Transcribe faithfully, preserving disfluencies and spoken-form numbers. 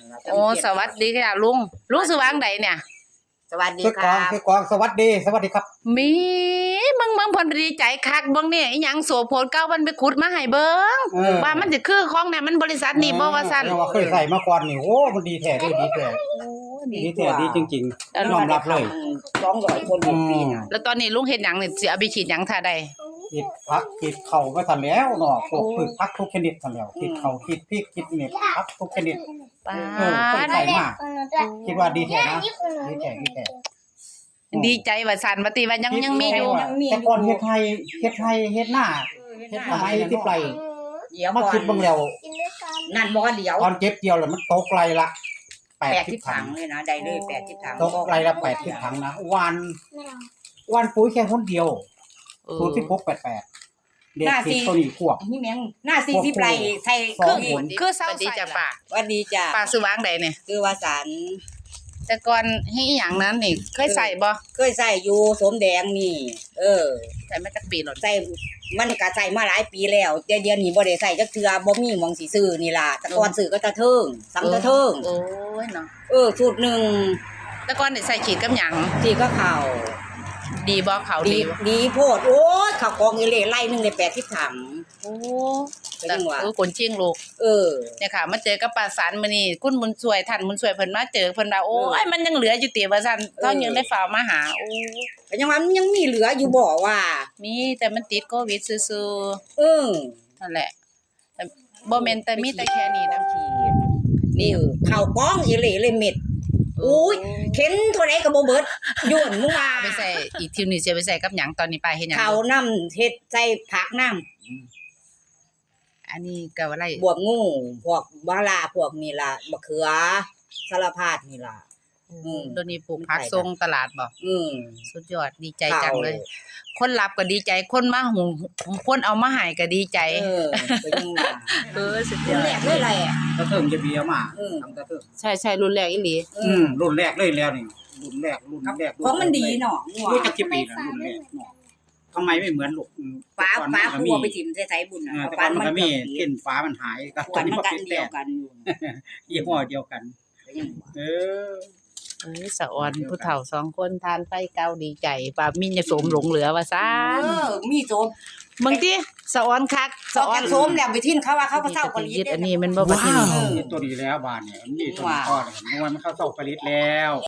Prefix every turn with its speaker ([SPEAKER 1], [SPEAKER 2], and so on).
[SPEAKER 1] โอ้สวัสดีค่ะลุงลุงสว่างใดเนี่ย
[SPEAKER 2] สวัสดีค
[SPEAKER 3] คือกอง
[SPEAKER 2] รับ
[SPEAKER 3] คือกองสวัสดีสวัสดีครับ
[SPEAKER 1] มีมึงมึงเพิ่นดีใจคักเบิ่งนี่อีหยังโสโพนเก่ามันไปขุดมาให้เบิ่งว่ามันสิคือของเนี่ยมันบริษัทนี่บ่ว่าซั่น
[SPEAKER 3] ว่าเคยใส่มาก่อนนี่โอ้มันดีแท้ดีดีแท้ดีแท้ดีจริงๆยอมรับเลย
[SPEAKER 2] สองร้อยคนเป็นปีน่ะ
[SPEAKER 1] แล้วตอนนี้ลุงเฮ็ดหยังนี่สิเอาไปฉีดหยังท่าใด
[SPEAKER 3] คิดพักคิดเข่าก็ทันแล้วเนาะพวกพืชพักทุกชนิดทันแล้วคิดเข่าคิดพริกคิดเม็ดพักทุกชนิด
[SPEAKER 1] ป้า
[SPEAKER 3] เออใส่มากคิดว่าดีแท้นะดีแท้ดีแท้
[SPEAKER 1] ดีใจว่าซั่นว่าติว่ายังยังมีอยู่
[SPEAKER 3] แต่ก่อนเฮ็ดไทยเฮ็ดไทยเฮ็ดหน้าเฮ็ดทำไมที่ไกล
[SPEAKER 2] เดี๋ยว
[SPEAKER 3] มาคิดเบิ่งแล้ว
[SPEAKER 2] นั่นบ่เดี๋ยว
[SPEAKER 3] ตอนเก็บเกี่ยวแล้วมันตกไกลละ
[SPEAKER 2] แปดสิบถังเลยนะได้เลยแปดสิบถัง
[SPEAKER 3] ตกไกลละแปดสิบถังนะวันวันปุ๋ยแค่คนเดียวศูนย์สิบหกแปดแปดเด็กสิตัวนี้ควบ
[SPEAKER 2] นี่แม่งหน้าสี่สิบไร่ใส่คือ
[SPEAKER 1] คือเศร้าดีจ้ะป้า
[SPEAKER 2] ว่าดีจ้ะ
[SPEAKER 1] ป้าสว่างใดเนี่ย
[SPEAKER 2] คือว่าสาร
[SPEAKER 1] แต่ก่อนให้อีหยังนั้นนี่เคยใส่บ่
[SPEAKER 2] เคยใส่อยู่สมแดงนี่เออ
[SPEAKER 1] ใส่มาจักปีแล้ว
[SPEAKER 2] ใส่มันก็ใส่มาหลายปีแล้วเดี๋ยวเดี๋ยวนี้บ่ได้ใส่จักเทื่อบ่มีหม่องสิซื้อนี่ล่ะแต่ก่อนซื้อก็ตะเทิงสังตะเทิง
[SPEAKER 1] โอ้ยเนาะ
[SPEAKER 2] เออสูตรนึง
[SPEAKER 1] แต่ก่อนนี่ใส่ฉีดกับหยัง
[SPEAKER 2] สิก็เข้า
[SPEAKER 1] ดีบ่เขาดี
[SPEAKER 2] ดีโพดโอ้ยข้าวกองอีเหล่ไล่นึงได้แปดสิบถัง
[SPEAKER 1] โอ้
[SPEAKER 2] แต่ว่า
[SPEAKER 1] เออคนจริงลูก
[SPEAKER 2] เออ
[SPEAKER 1] เนี่ยค่ะมาเจอกับป้าสารมื้อนี้คุณบุญช่วยท่านบุญช่วยเพิ่นมาเจอเพิ่นว่าโอ้ยมันยังเหลืออยู่ติว่าซั่นเฮายังได้ฝ่ามาหาโอ้
[SPEAKER 2] ก็ยังว่ามันยังมีเหลืออยู่บ่ว่า
[SPEAKER 1] มีแต่มันติดโควิดซื่อ
[SPEAKER 2] ๆเออ
[SPEAKER 1] นั่นแหละแต่บ่แม่นแต่มีแต่แค่นี้นะพี่
[SPEAKER 2] นี่ข้าวกองอีเหล่เลยเม็ดอุ้ยเข็นเท่าไหร่ก็บ่เบิดย่นมึงว่า
[SPEAKER 1] ไปใส่อีกทีนึงสิไปใส่กับหยังตอนนี้ไปเฮ็ดหยัง
[SPEAKER 2] ข้าวน้ำเฮ็ดใส่ผักน้
[SPEAKER 1] ำอันนี้ก็อะไร
[SPEAKER 2] บวบงูพวกบาลาพวกนี่ล่ะมะเขือสารพัดนี่ล่ะ
[SPEAKER 1] อืมตัวนี้ปลูกผักส่งตลาดบ่
[SPEAKER 2] อืม
[SPEAKER 1] สุดยอดดีใจจังเลยคนรับก็ดีใจคนมาหุงคนเอามาให้ก็ดีใจ
[SPEAKER 2] เออก็ยังว่า
[SPEAKER 1] เออสุดยอด
[SPEAKER 2] แรกเลยแหละ
[SPEAKER 3] ตะเทิงจะเบียมาทำตะเทิง
[SPEAKER 1] ใช่ๆรุ่นแรกอีหลี
[SPEAKER 3] อืมรุ่นแรกเลยแล้วนี่รุ่นแรกรุ่นแรก
[SPEAKER 2] ของมันดีเนาะ
[SPEAKER 3] รู้จักกี่ปีแล้วรุ่นแรกเนาะทำไมไม่เหมือนลูก
[SPEAKER 2] ฟ้าฟ้าครัวไปถิ่มใส่ๆบุญน่ะ
[SPEAKER 3] ฟ้ามันก็มีเส้นฟ้ามันหายก็
[SPEAKER 2] ตอนนี้มันเดียวกันอยู่
[SPEAKER 3] ยี่ห้อเดียวกันเออ
[SPEAKER 1] เอ้ยสะออนผู้เฒ่าสองคนทานไฟเก่าดีใจป้ามีจะสมหลงเหลือว่าซ่าน
[SPEAKER 2] เออมีโสม
[SPEAKER 1] บางทีสะออนคัก
[SPEAKER 2] สะออนโสมแล้วไปทิ้นเขาว่าเขาก็เฒ่าผลิต
[SPEAKER 1] อันนี้มันบ่บ่ทิ้น
[SPEAKER 3] ตัวดีแล้วบานเนี่ยมันมีตัวพ่อเนี่ยมันเข้าเฒ่าผลิตแล้ว